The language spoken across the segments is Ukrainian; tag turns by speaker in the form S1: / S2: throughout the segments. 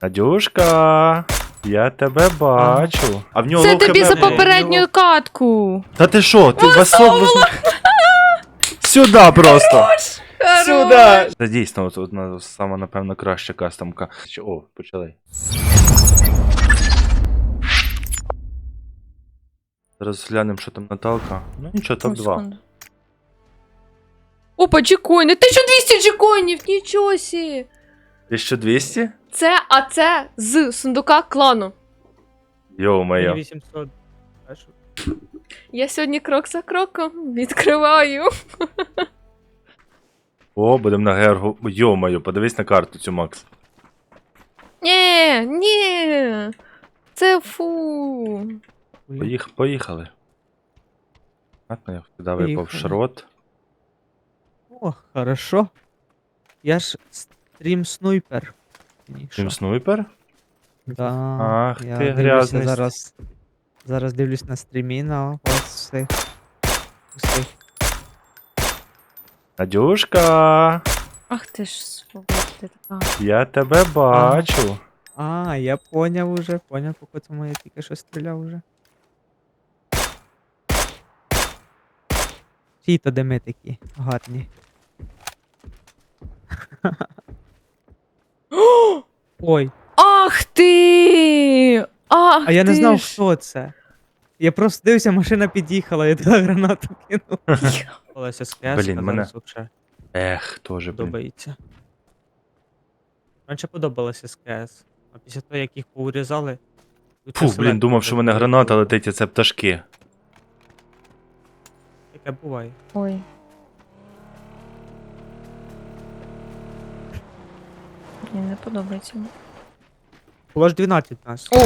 S1: Надюшка, я тебе бачу. А в нього
S2: Це
S1: лов
S2: тобі
S1: хп
S2: за
S1: було.
S2: попередню катку.
S1: Та ти що, ти васовло... Сюда просто. Сюда. Це дійсно одна сама, напевно, краща кастомка. О, почали. Зараз глянемо, що там Наталка. Ну нічого, топ-2.
S2: Опа, джекоїни. 1200 джекоїнів, нічого сі.
S1: 1200?
S2: Це з сундука клану.
S1: Йо-моє.
S3: 800. А що?
S2: Я сьогодні крок за кроком відкриваю.
S1: О, будемо на гергу. Йо-моє, подивись на карту цю, Макс.
S2: Ні. Це фу.
S1: Поїхали. Ладно, я туди випав
S3: Поїхали.
S1: шрот.
S3: О, хорошо. Я ж стрім снайпер.
S1: Чим снайпер?
S3: Да.
S1: Ах,
S3: я
S1: ти
S3: дивлюся
S1: грязний.
S3: Зараз дивлюсь на стрімі на ось цих. Усіх.
S1: Надюшка,
S2: Ах ти ж свобода така.
S1: я тебе бачу.
S3: А, я поняв уже, по цьому я тільки що стріляв уже. Чиї то дими такі гарні. Ой,
S2: Ах ти! Ах
S3: а я не
S2: ти
S3: знав,
S2: ж.
S3: хто це. Я просто дивився, машина під'їхала, я туди гранату кинув. Олеся Скляшка
S1: Блін, мене-
S3: зараз вообще
S1: Ех, тоже, блін.
S3: подобається. Раніше подобалося СКС, а після того, як їх поурізали...
S1: Фу, блін, думав, що в мене граната летить, а це пташки.
S3: Таке буває.
S2: Ой. Мені не подобається.
S3: Було ж 12 нас.
S2: О!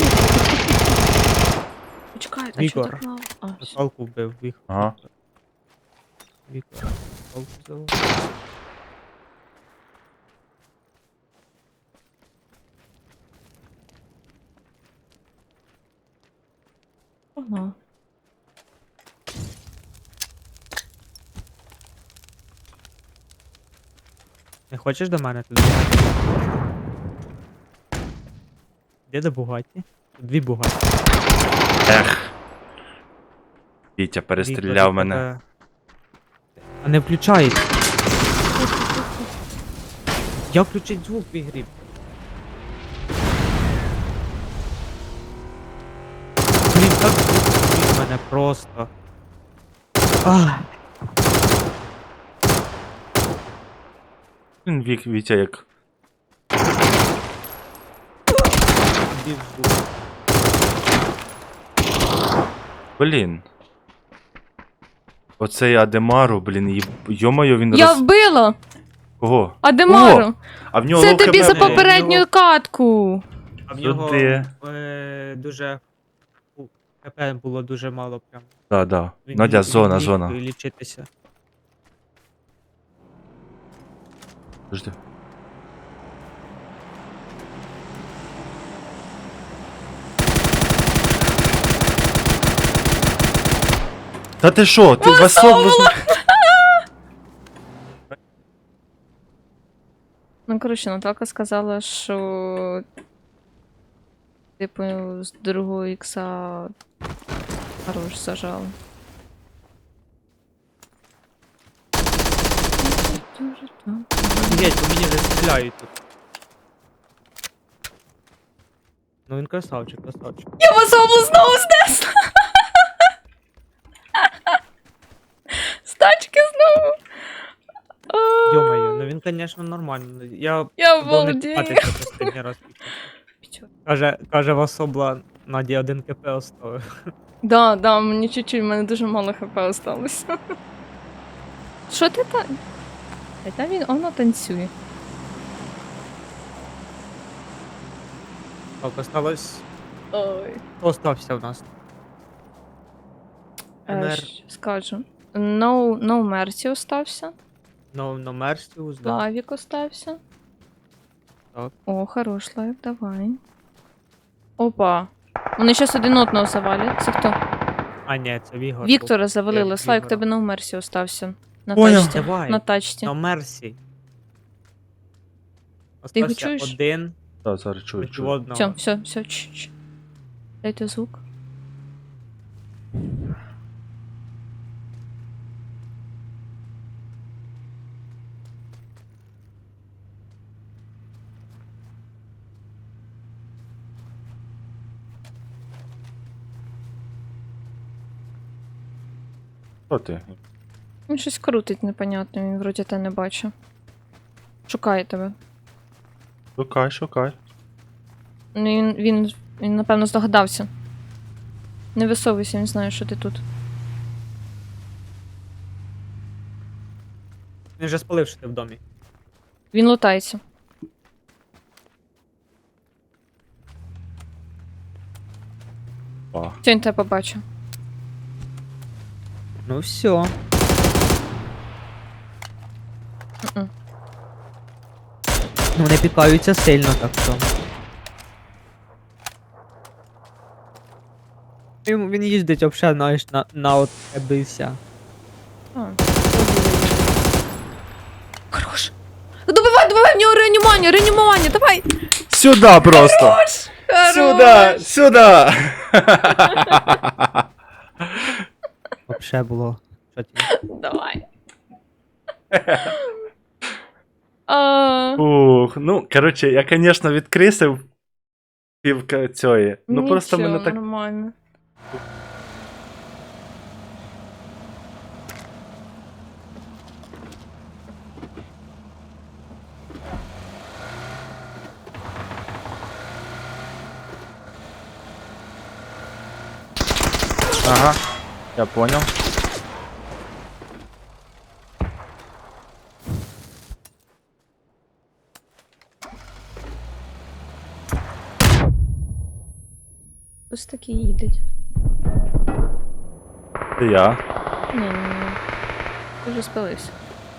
S2: Почекай, а чого
S3: Вігор.
S2: так мало? А, все.
S3: Наталку вбив,
S1: Ага.
S3: Вікор. Наталку взяв.
S2: Ага.
S3: Не хочеш до мене туди? Де до Бугаті? Тут дві Бугаті.
S1: Ех. Вітя перестріляв мене.
S3: А не включається. Я включить звук в ігрі. Блін, так звук мене просто. Ах.
S1: Він Вітя як...
S3: Іди в звук.
S1: Блін. Оцей Адемару, блін, йо-моє, він
S2: Я вбила!
S1: Кого?
S2: Адемару!
S1: А в нього
S2: Це
S1: лов
S2: тобі
S1: хп
S2: за
S1: було.
S2: попередню катку!
S3: А в нього
S1: Туди.
S3: дуже... ХП було дуже мало прям.
S1: Да.
S3: Він
S1: Надя,
S3: міг
S1: зона, зона.
S3: лічитися.
S1: Подожди. Та ти що, ти васовло...
S2: Ну, коротше, Наталка сказала, що типу з другого ікса хорош зажала.
S3: Офігеть, по мені вже стріляють тут. Ну він красавчик.
S2: Я вас знову знесла! З тачки знову! А,
S3: Йо-моє, ну він, звісно, нормальний. Я
S2: Я
S3: був не
S2: обалдею.
S3: чіпатися останній раз. Каже, Васобла Наді 1 КП оставив.
S2: Да, мені чуть-чуть, в мене дуже мало хп осталося. Що ти там? Та воно танцює.
S3: Так, осталось...
S2: Ой.
S3: Хто остався в нас? НР.
S2: Скажу. No Mercy остався.
S3: No Mercy, да.
S2: Лавік остався.
S3: Так.
S2: О, хорош лайк, давай. Опа. Вони зараз один одного завалять. Це хто?
S3: А, ні, це Вігор.
S2: Віктора завалили.
S3: Я
S2: Слайк,
S3: Вігора.
S2: тебе No Mercy остався. На
S1: Поняв.
S2: тачці.
S3: Давай.
S2: На тачці.
S3: No Mercy.
S2: Ти його
S3: Остався
S2: чуєш?
S3: один.
S1: Так, зараз чую,
S3: Проти
S1: чую.
S3: одного.
S2: Все. Дайте звук.
S1: Що ти?
S2: Він щось крутить непонятно, він вроді те не бачить. Шукає тебе.
S1: Шукай.
S2: Ну, він напевно здогадався. Не висовуйся, він знає, що ти тут.
S3: Він вже спалив, що ти в домі.
S2: Він лутається.
S1: О,
S2: Все, він тебе побачив.
S3: Ну все.
S2: Мгм.
S3: Ну, вони пікаються сильно, так що. Він їздить взагалі, знаєш, на от тебе і вся.
S2: А. Хорош. Добивай, в нього реанімування, давай!
S1: Сюда просто!
S2: Хорош!
S1: Сюда!
S3: Вообще було. Що ті?
S2: Давай. А,
S1: Ух, ну, короче, я, конечно, відкрисив півка цієї. Ну просто
S2: нічого,
S1: мене так.
S2: нормально.
S1: Ага, я понял.
S2: Ось такі їдуть.
S1: Це я.
S2: Ні. Ти вже спалився.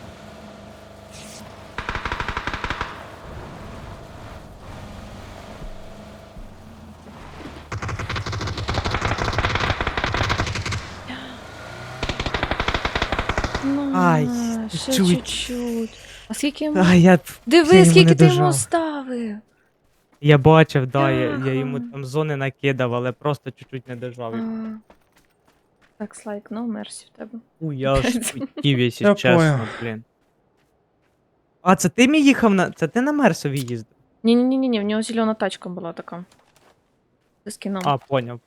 S3: Ай,
S2: Ще
S3: чуть.
S2: чуть-чуть. А скільки йому?
S3: А, я
S2: Диви,
S3: йому
S2: скільки
S3: не
S2: ти йому
S3: дожав.
S2: ставив.
S3: Я бачив, да, я
S2: Ага.
S3: йому там зони накидав, але просто чуть-чуть не дожав.
S2: А. Так, слайк, no мерсі в тебе.
S3: Я аж хотів,
S1: Я
S3: якщо чесно,
S1: понял.
S3: блін. А, це ти мій їхав на. Це ти на Мерсові їздив?
S2: Ні, в нього зелена тачка була така. З скіном.
S3: А, поняв.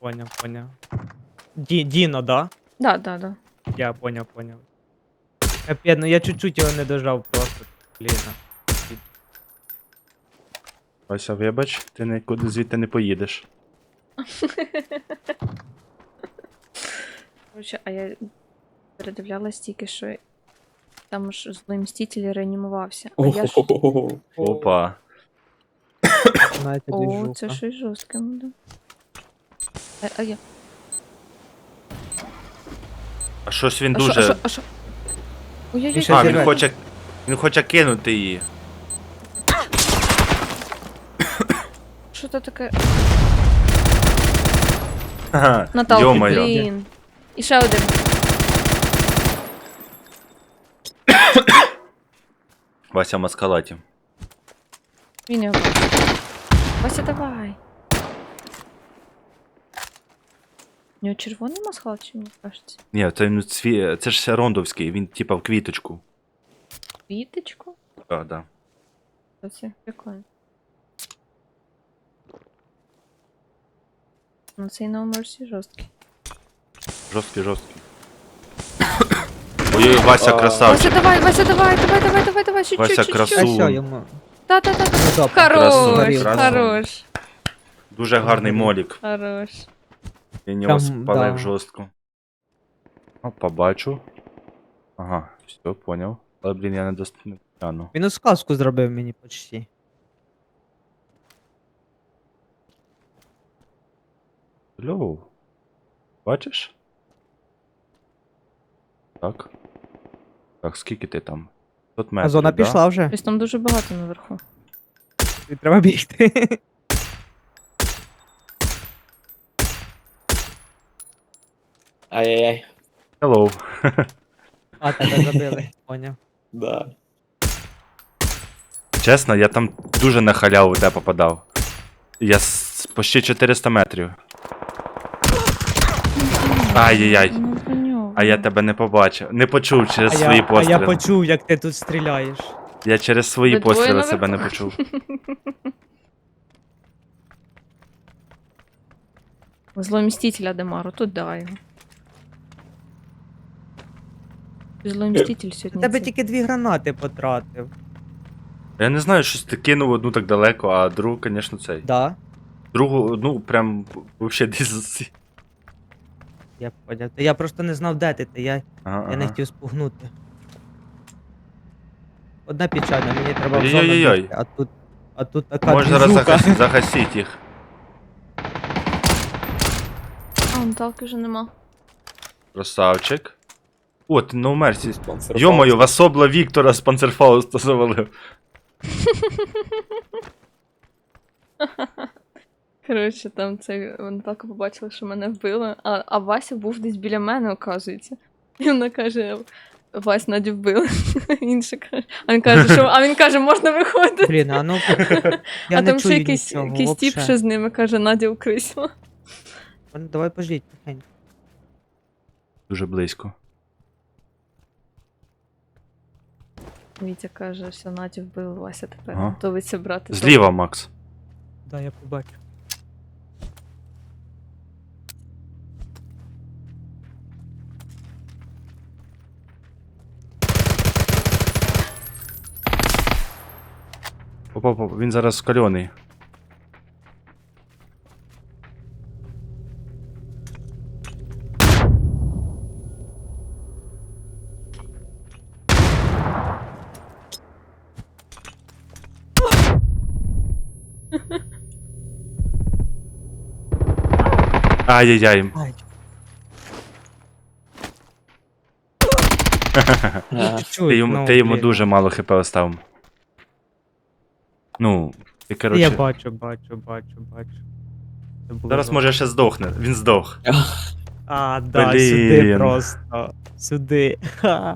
S3: Діно, да?
S2: Да.
S3: Я поняв. Капець, ну я чуть-чуть його не дожав просто, блін.
S1: Вася, вибач, ти нікуди звідти не поїдеш.
S2: Короче, а я передивлялась тільки, що там ж злий мститель реанімувався. А я ж...
S1: Опа.
S3: Знаєте,
S2: О,
S3: двіжуха.
S2: це щось жорстке буде. А я...
S1: А щось він
S2: А
S1: дуже.
S2: що?
S3: Він
S2: Ой-ой-ой.
S3: ще
S1: А,
S3: зірве.
S1: він хоче кинути її.
S2: Що це таке?
S1: Ха-ха.
S2: Наталки,
S1: Йо-моє.
S2: блін. І ще один.
S1: Вася в маскалаті.
S2: Він його. Вася, давай. У нього червоний масхал чи мені кажеться?
S1: Ні, це ж рондовський, він типа в квіточку.
S2: Квіточку?
S1: Так, да.
S2: Це прикольно. Ну цей No Mercy жорсткий.
S1: Жорсткий. Ой, Вася красавчик.
S2: Вася, давай, чуть-чуть,
S1: Вася,
S2: чуть-чуть.
S1: красу.
S3: А що йому?
S2: Та.
S3: Ну, добре.
S2: Хорош,
S1: Красун.
S2: хорош,
S1: Дуже гарний молік.
S2: хорош.
S1: Він його
S3: Там,
S1: спалив
S3: да.
S1: жорстко. О, побачу. Ага, все, поняв. Але, блін, я не достану.
S3: Він сказку зробив мені почти.
S1: Льоу. Бачиш? Так. Так, скільки ти там? 500 метрів,
S3: А зона
S1: да?
S3: пішла вже.
S2: Ось там дуже багато наверху.
S3: Тобі треба бігти.
S4: Ай-яй-яй.
S1: Hello.
S3: А, тебе забили. Поняв.
S4: Да.
S1: Чесно, я там дуже на халяву в тебе попадав. Я почти 400 метрів. Ай-яй-яй.
S2: Ну, про нього.
S1: А я тебе не побачив. Не почув через свої
S3: А я
S1: постріли.
S3: почув, як ти тут стріляєш.
S1: Я через свої
S2: Ви двоє
S1: постріли
S2: наверху?
S1: себе не почув.
S2: Зломістителя Демару, тут дай його. Зломіститель
S3: У
S2: сьогодні.
S3: тебе
S2: це.
S3: тільки 2 гранати потратив.
S1: Я не знаю, щось ти кинув одну так далеко, а другу, звісно, цей.
S3: Да,
S1: Другу, ну, прям, вообще десь.
S3: я поняв. Та я просто не знав, де ти. Я
S1: Ага,
S3: не
S1: ага.
S3: хотів спугнути. Одна печальна, мені треба в зону
S1: Ой-ой-ой-ой.
S3: бігти, а тут така
S1: Можеш зараз
S3: движуха.
S1: загасити їх.
S2: А, Наталки вже нема.
S1: Красавчик. О, ти на умерці.
S4: Спонсор
S1: Йо-моє,
S4: Фауста.
S1: Васобла Віктора з Панцерфауста завалив.
S2: Коротше, там це Наталка побачила, що мене вбили, а Вася був десь біля мене, оказується. І вона каже: Вась, Надю вбили. Інша каже. А він каже, можна виходити.
S3: Блін, а ну я
S2: А
S3: не
S2: там ще
S3: чую
S2: якийсь
S3: нічого,
S2: тіп
S3: вообще.
S2: ще з ними каже, Надя укрисила.
S3: Ну, давай пождіть, тихенько.
S1: Дуже близько.
S2: Вітя каже, що Надю вбили, Вася тепер
S1: Ага.
S2: готовиться брати.
S1: Зліва, Макс.
S3: Да, я побачу.
S1: Опа, він зараз скальоний. Ай-яй-яй.
S3: Ай,
S4: Ага.
S3: чуть-чуть,
S1: Ти йому
S3: блін.
S1: дуже мало хп оставив. Ну, ти
S3: Я
S1: коротше.
S3: бачу. Це було
S1: Зараз
S3: добре.
S1: може ще здохне. Він здох.
S3: А, да, сюди
S1: Блін.
S3: просто. Сюди. Ха.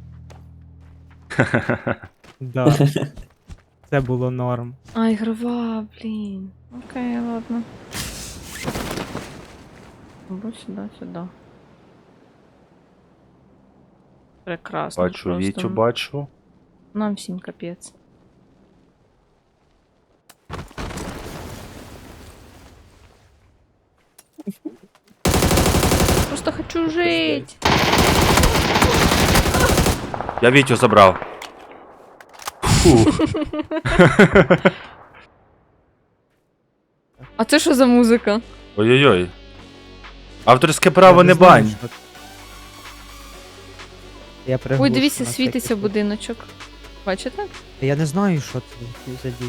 S3: Да. Це було норм.
S2: А, ігрова, блін. Окей, ладно. Або сюди. Прекрасно.
S1: Бачу,
S2: просто.
S1: Вітю бачу.
S2: Нам всім капець. Просто хочу жить.
S1: Я Вітю забрав. Фу.
S2: А це що за музика?
S1: Ой-ой-ой. Авторське право
S3: Я
S1: не
S3: знаю,
S1: бань.
S3: що це. Я
S2: Ой,
S3: приглушу
S2: дивіться,
S3: на
S2: світиться
S3: всякий
S2: будиночок. Бачите?
S3: случай. Я не знаю, що це за діч.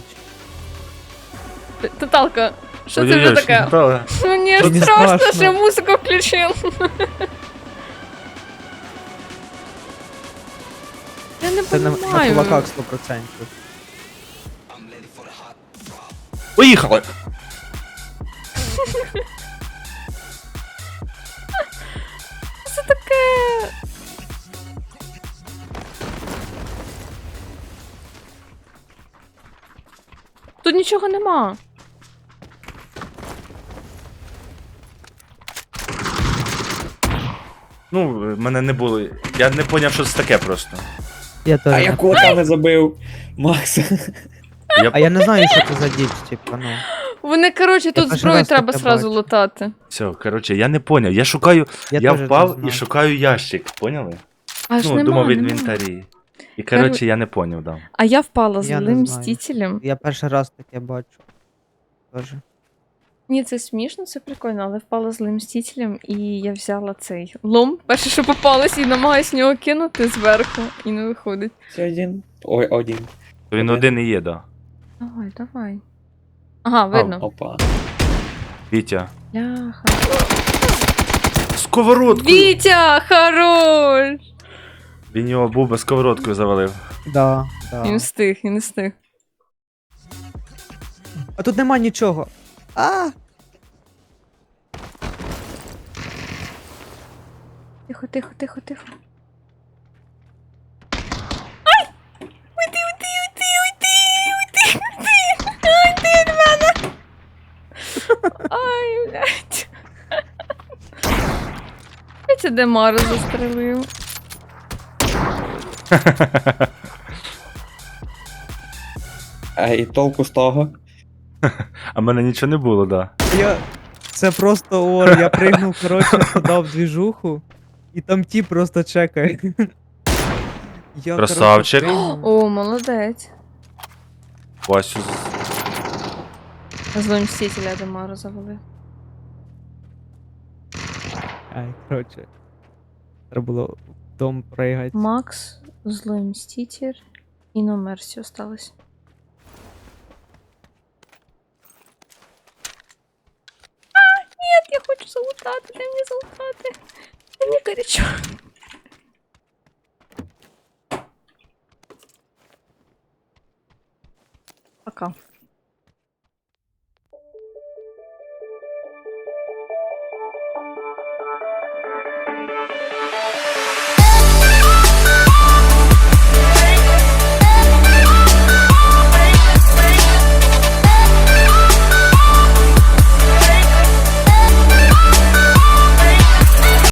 S2: Таталка, що це вже
S1: Ой-ой-ой,
S2: таке?
S1: Наталя.
S2: Мені
S3: Що не
S2: страшно,
S3: страшно?
S2: що я музику включив. Я не
S3: Це на
S2: понимаю.
S3: кулаках 100%.
S1: Поїхали!
S2: Це таке. Тут нічого нема.
S1: Ну, мене не було. Я не поняв, що це таке просто.
S3: Я теж.
S4: А я кота не забив. Макс.
S3: А я не знаю, що це за діч, типа, ну.
S2: Вони, коротше, тут
S3: перший
S2: зброю
S3: раз
S2: треба
S3: таке
S2: сразу
S3: бачу.
S2: лутати.
S1: Все, коротше, я не поняв. Я шукаю. Я
S3: теж не
S1: впав
S3: знаю.
S1: і шукаю ящик, поняли?
S2: Аж
S1: Ну,
S2: нема,
S1: думав в
S2: нема.
S1: інвентарі. І коротше, я не поняв, да.
S2: А я впала
S3: Я не
S2: злим
S3: знаю.
S2: мстителем.
S3: Я перший раз таке бачу. Тоже.
S2: Ні, це смішно, це прикольно, але впала злим мстителем, і я взяла цей лом, перше, що попалось, і намагаюсь в нього кинути зверху, і не виходить.
S4: Це один. Ой, один.
S1: Він один і є, да.
S2: Давай. Ага, видно.
S4: Опа.
S1: Вітя.
S2: Ляха.
S1: Сковородку!
S2: Вітя, хорош!
S1: Він його буба сковородкою завалив.
S3: Да.
S2: Він встиг, він не встиг.
S3: А тут нема нічого. А!
S2: Тихо. Ай! Уйди від мене! блядь. Я це Демару застрелив.
S4: А і толку з того?
S1: А в мене нічого не було, да.
S3: Це просто ор, я пригнув, коротше, туди в двіжуху, і там ті просто чекає. Я, коротше,
S1: Красавчик.
S3: пригнув.
S2: О, молодець.
S1: Васю
S2: Злим мстителя Демару завели.
S3: Ай, коротше. Треба було в дом пригати.
S2: Макс, злой мститель і на Мерсі осталось. Нет, я хочу залутати, дай мені залутати. Мені горячо. Пока.